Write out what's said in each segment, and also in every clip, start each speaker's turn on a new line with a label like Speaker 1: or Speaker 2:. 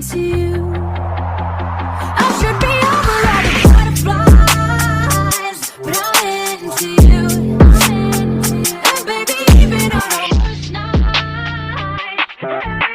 Speaker 1: into you. I should be over all the butterflies, but I'm into you. And baby, even on our worst night.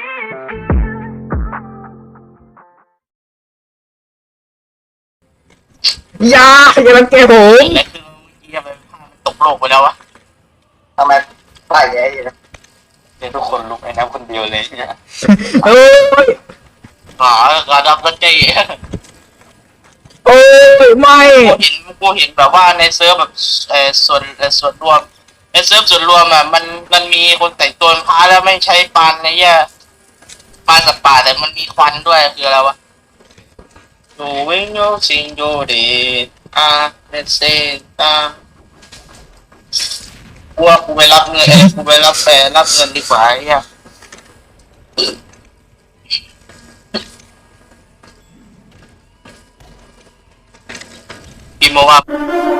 Speaker 2: อย่ารังแกผม
Speaker 3: และคือเมื่อกี้ทำไมภาพมันตกโลกไปแล้ววะ
Speaker 4: ทำไมไฟแย่อยู่นะ
Speaker 3: เดี๋ยวทุกคนลุกไอ้น้ำคนเดียวเลยเนี่ย
Speaker 2: โอ้ย
Speaker 3: หากระดับตะเกีย
Speaker 2: โอ้ยไม่
Speaker 3: กูเห็นแบบว่าในเซิร์ฟแบบส่วนรวมในเซิร์ฟส่วนรวมอ่ะมันมีคนแต่งตัวเป็นพระแล้วไม่ใช้ปานในแย่ปานสัตว์ป่าแต่มันมีควันด้วยคืออะไรวะดูวิ่งโยซิงโยเดเลนเซกูไปรับเงินกูไปรับเงินดีกว่าไอ้เหี้ยพี่โมว่า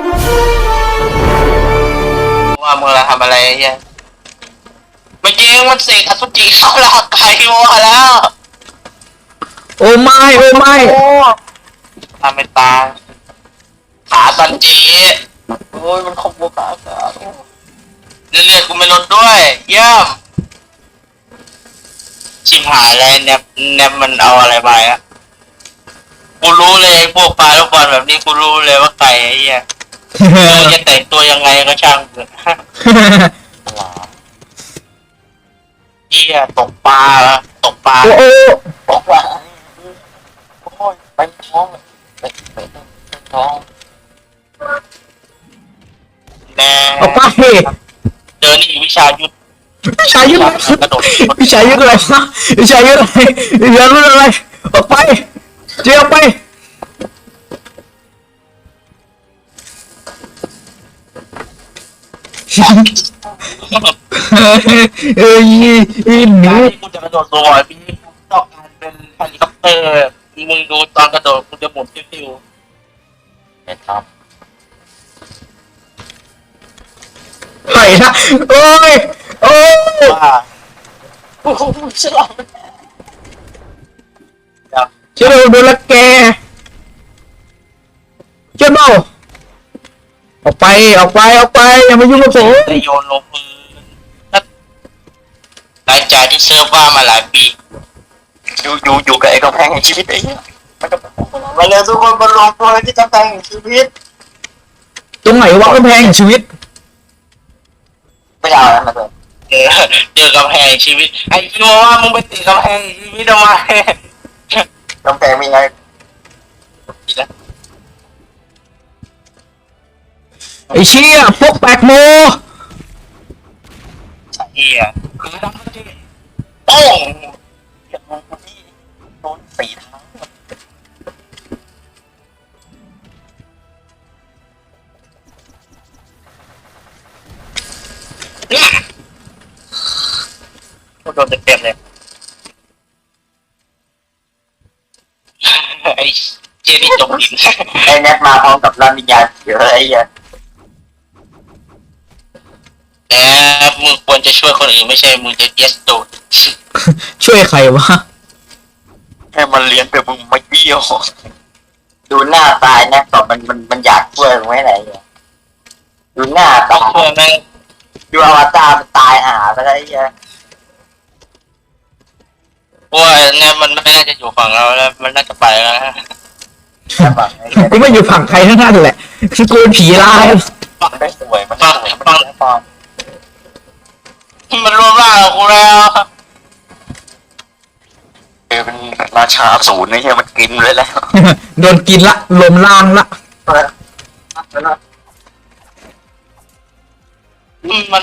Speaker 3: มึงละทำอะไรไอ้เหี้ยเมื่อกี้มันเสกอสุจิเข้าร่างกายพี่โมแล้ว
Speaker 2: โอ้ไม่
Speaker 3: ทำเป็นตาขาตันจีโอ้ยมันขบวขาเลือดกูไม่ลดด้วยเยี่ยมชิมหายเลยแนบมันเอาอะไรไปอะกูรู้เลยพวกปลาลูกบอลแบบนี้กูรู้เลยว่าไก่ไอ้เหี้ยจะแต่งตัวยังไงก็ช่างเถอะเหี้ยตกปลา
Speaker 2: โอ้โอ้
Speaker 3: ตกปลาโอ้ยไปท้องไปท้องแน่
Speaker 2: ออกไป
Speaker 3: เจอนี่วิชายุทธ
Speaker 2: วิชายุทธวิชายุทธอะไรนะวิชายุทธอะไรวิชายุทธอะไรออกไปเจียวไปเอ้ยหนู
Speaker 3: กูจะกระโดดตัวบ่อยพี่ต้องการเป็นเฮลิคอปเตอร์มึงดูตอนกระโดดกูจะหมุนติ้วๆนะครับ
Speaker 2: ไหนนะโอ้ยโอ้ย
Speaker 3: ว่าโอ้โหฉลาด
Speaker 2: เชื่อโดนละแกเชื่อเปล่าออกไปอย่ามายุ่งกับผม
Speaker 3: ได้โยนลงมือหลังจากที่เซิร์ฟว่ามาหลายปีอยู่กับไอ้กำแพงแห่งชีวิตไอ้เหี้ยมาเลยทุกคนมาลงตัวที่กำแพงแห่งชีวิต
Speaker 2: ตรงไหนวะกำแพงชีวิต
Speaker 4: ไม่เอาแล้วมาเลย
Speaker 3: เจอกำแพงชีวิตไอ้โยว่ามึงไปติดกำแพงชีวิตทำไม
Speaker 4: กำแพงมีไง
Speaker 2: ไอ้เชี่ยพวกแปลกโม
Speaker 3: เหี้ยคือดังที่โป้งอย่างมึงคนที่โดนสีเท้าโดนเต็มเลยไอ้เจนี่จมดิน
Speaker 4: ไอ้แนทมาพร้อมกับร่างวิญญาณเยอะไอ้เหี้ย
Speaker 3: แต่มึงควรจะช่วยคนอื่นไม่ใช่มึงจะเยสโดด
Speaker 2: ช่วยใครวะ
Speaker 3: ให้มันเลี้ยงแต่มึงไม่เบี้ยว
Speaker 4: ดูหน้าตายนะตอบมันอยากช่วยมึงไว้ไหนเนี่ยดูหน้า
Speaker 3: ต้อ
Speaker 4: ตาง
Speaker 3: ช่วยแม่ง
Speaker 4: ดูอวตารมันตายหาไปแล้วไอ้เหี้ย
Speaker 3: เพราะว่าเนี่ยมันไม่น่าจะอยู่ฝั่งเราแล้วมันน่าจะไปแล้วนะ
Speaker 4: จะบอกไอ้เหี้ย
Speaker 2: กูไม่อยู่ฝั่งใครทั้งนั้นแหละคือกูเป็นผีร้าย
Speaker 4: มันได้สวยมันได้สวยมันได้ฟอร์ม
Speaker 3: มันรวมร่างกับกูแล้ว
Speaker 4: เป็นราชาศูนย์ไอ้เหี้ยมันกินเลยแล้ว
Speaker 2: โดนกินละลมล่างละ
Speaker 3: มัน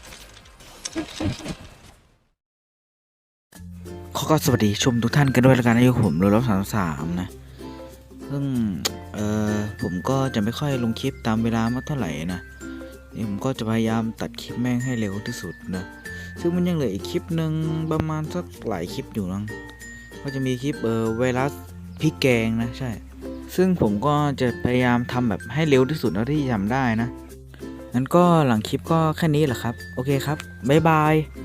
Speaker 5: ก็สวัสดีชมทุกท่านกันด้วยแล้วกันนะผมโรลล์33นะซึ่งผมก็จะไม่ค่อยลงคลิปตามเวลามากเท่าไหร่นะนี่ผมก็จะพยายามตัดคลิปแม่งให้เร็วที่สุดนะซึ่งมันยังเหลืออีกคลิปหนึ่งประมาณสักหลายคลิปอยู่นะก็จะมีคลิปไวรัสพริกแกงนะใช่ซึ่งผมก็จะพยายามทำแบบให้เร็วที่สุดเท่าที่ทำได้นะงั้นก็หลังคลิปก็แค่นี้แหละครับโอเคครับบ๊ายบาย